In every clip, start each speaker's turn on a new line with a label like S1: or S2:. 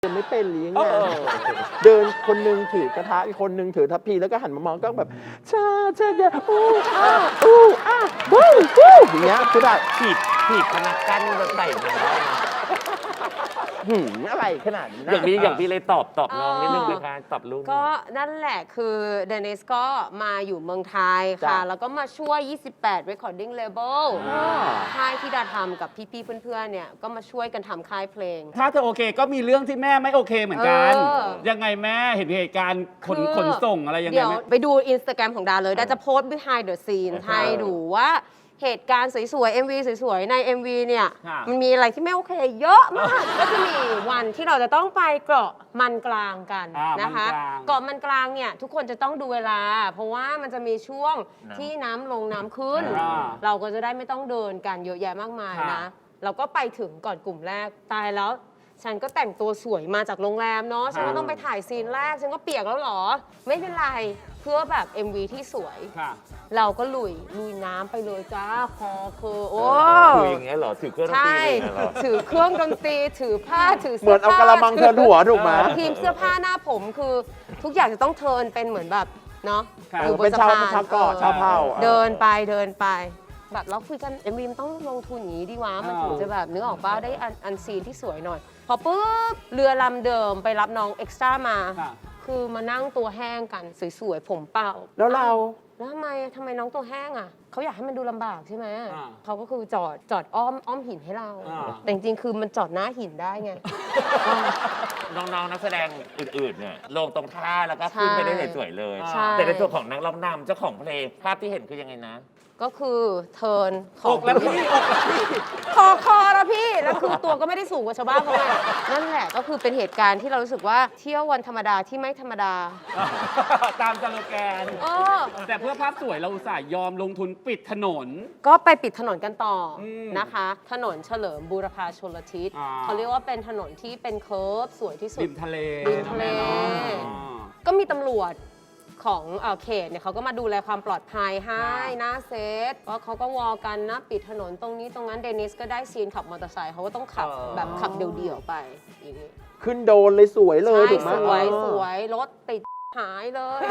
S1: จะไม่เป็นหรือยังไงเดินคนนึงถือกระทะอีกคนนึงถือทัพพีแล้วก็หันมามองก็แบบชาเดี๋ยวอู้วู้อย่างเงี้ยคือแบบ
S2: ถีบพนักกั้นแบบใส่มา
S1: อะไรขนาดนี้นะ
S2: อย่างพี่เลยตอบน้องนิดนึงนะคะตอบลูก
S3: ก็นั่นแหละคือเดนิสก็มาอยู่เมืองไทยค่ะแล้วก็มาช่วย28 Recording Label ค่ายที่ดาทำกับพี่ๆเพื่อนๆเนี่ยก็มาช่วยกันทำค่ายเพลง
S4: ถ้าเธอโอเคก็มีเรื่องที่แม่ไม่โอเคเหมือนกันยังไงแม่เห็นเหตุการณ์ขนส่งอะไรยังไง
S3: เดี๋ยวไปดู Instagram ของดาเลยดาจะโพสต์ behind the scene ให้ดูว่าเหตุการณ์สวยๆ MV สวยๆ ใน MV เนี่ยมันมีอะไรที่ไม่โอเคเยอะมาก ก็จะมีวันที่เราจะต้องไปเกาะมันกลางกันนะคะเกาะมันกลางเนี่ยทุกคนจะต้องดูเวลาเพราะว่ามันจะมีช่วงที่น้ำลงน้ำขึ้นเราก็จะได้ไม่ต้องเดินกันเยอะแยะมากมายนะเราก็ไปถึงก่อนกลุ่มแรกตายแล้วฉันก็แต่งตัวสวยมาจากโรงแรมเนาะฉันก็ต้องไปถ่ายซีนแรกฉันก็เปียกแล้วหรอไม่เป็นไรเพื่อแบบ MV ที่สวยเราก็ลุยน้ำไปเลยจ้าคอคือโอ้
S2: ถืออย่างเงี้ยเหรอถือเครื่องดนตรีเหรอ
S3: ถือเครื่องดนตรีถือผ้าถือ
S1: เหมือนเอากระมังเทินหัวถูกไหม
S3: ทีมเสื้อผ้าหน้าผมคือทุกอย่างจะต้องเทินเป็นเหมือนแบบเนาะ
S1: อยู่บนสะพานชาวเผ่า
S3: เดินไปแบบเราคุยกัน MV มันต้องลงทุนอย่างนี้ดีวะมันถึงจะแบบนึกออกป่ะได้อันซีนที่สวยหน่อยพอปุ๊บเรือลำเดิมไปรับน้องเอ็กซ์ตร้ามาคือมานั่งตัวแห้งกันสวยๆผมเปล่า
S1: แล้วเรา
S3: แล้วทำไมน้องตัวแห้งอ่ะเขาอยากให้มันดูลำบากใช่ไหมเขาก็คือจอดอ้อมหินให้เราแต่จริงๆคือมันจอดหน้าหินได้ไง
S2: น้องๆนักแสดงอื่นๆเนี่ยลงตรงท่าแล้วก็ขึ้นไปได้สวยๆเลยแต่ในตัวของนักร้องนำเจ้าของเพลงภาพที่เห็นคือยังไงนะ
S3: ก็คือเทิร์น
S4: อกแล้วพี่
S3: คอแล้วพี่แล้วคือตัวก็ไม่ได้สูงกว่าชาวบ้านเขาไงนั่นแหละก็คือเป็นเหตุการณ์ที่เรารู้สึกว่าเที่ยววันธรรมดาที่ไม่ธรรมดา
S4: ตามสโลแกนแต่เพื่อภาพสวยเราอุตส่าห์ยอมลงทุนปิดถนน
S3: ก็ไปปิดถนนกันต่อนะคะถนนเฉลิมบูรพาชลทิศเขาเรียกว่าเป็นถนนที่เป็นเคิร์ฟสวยที่สุด
S4: ริมทะเล
S3: ก็มีตำรวจของเขตเนี่ยเขาก็มาดูแลความปลอดภัยให้หน้าเซตเพราะเขาก็วอกันนะปิดถนนตรงนี้ตรงนั้นเดนิสก็ได้ซีนขับมอเตอร์ไซค์เขาก็ต้องขับแบบขับเดี่ยวๆไปอย่างนี้
S1: ขึ้นโดนเลยสวยเลยถูกไหม
S3: สวยรถติดหายเลย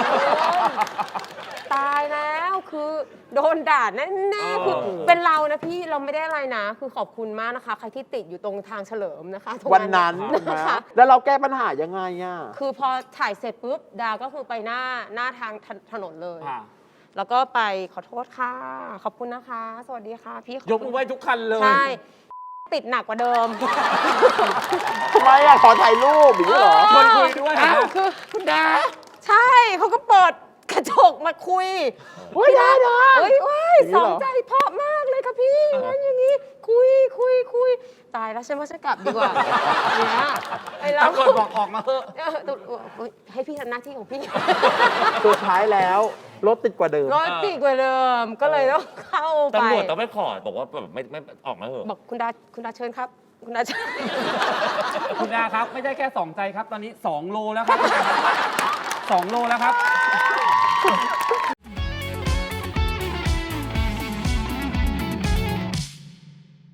S3: ตายแล้วคือโดนด่าแน่ๆคือเป็นเรานะพี่เราไม่ได้อะไรนะคือขอบคุณมากนะคะใครที่ติดอยู่ตรงทางเฉลิมนะคะ
S1: วันนั้นนะคะแล้วเราแก้ปัญหายังไงอ่ะ
S3: คือพอถ่ายเสร็จปุ๊บดาก็คือไปหน้าทางถนนเลยแล้วก็ไปขอโทษค่ะขอบคุณนะคะสวัสดีค่ะพี่
S4: ยกมือไหว้ทุกคันเลย
S3: ใช่ติดหนักกว่าเดิม
S1: ทำไมอ่ะขอถ่ายรูปอย่างนี้เหรอ
S4: คนคุยด้วย
S3: คือคุณดาใช่เขาก็เปิดกระจกมาคุย
S1: ได้
S3: สองใจเพราะมากเลยค่ะพี่งั้นอย่างนี้คุยตายแล้วฉันว่าฉันกลับดีกว่าเนี่ย
S4: ไอ้เราบอกออกมาเถอะ
S3: ให้พี่ทำหน้าที่ของพี่
S1: สุดท้ายแล้วรถติดกว่าเดิม
S3: ก็เลยต้องเข้าไป
S2: ตำรวจต้องไม่ขอบอกว่าแบบไม่ออกมาเถอะ
S3: บอกคุณดาเชิญครับคุณดาเชิญ
S4: คุณดาครับไม่ได้แค่2 ใจครับตอนนี้2 โลแล้วครับ2 โลแล้วครับ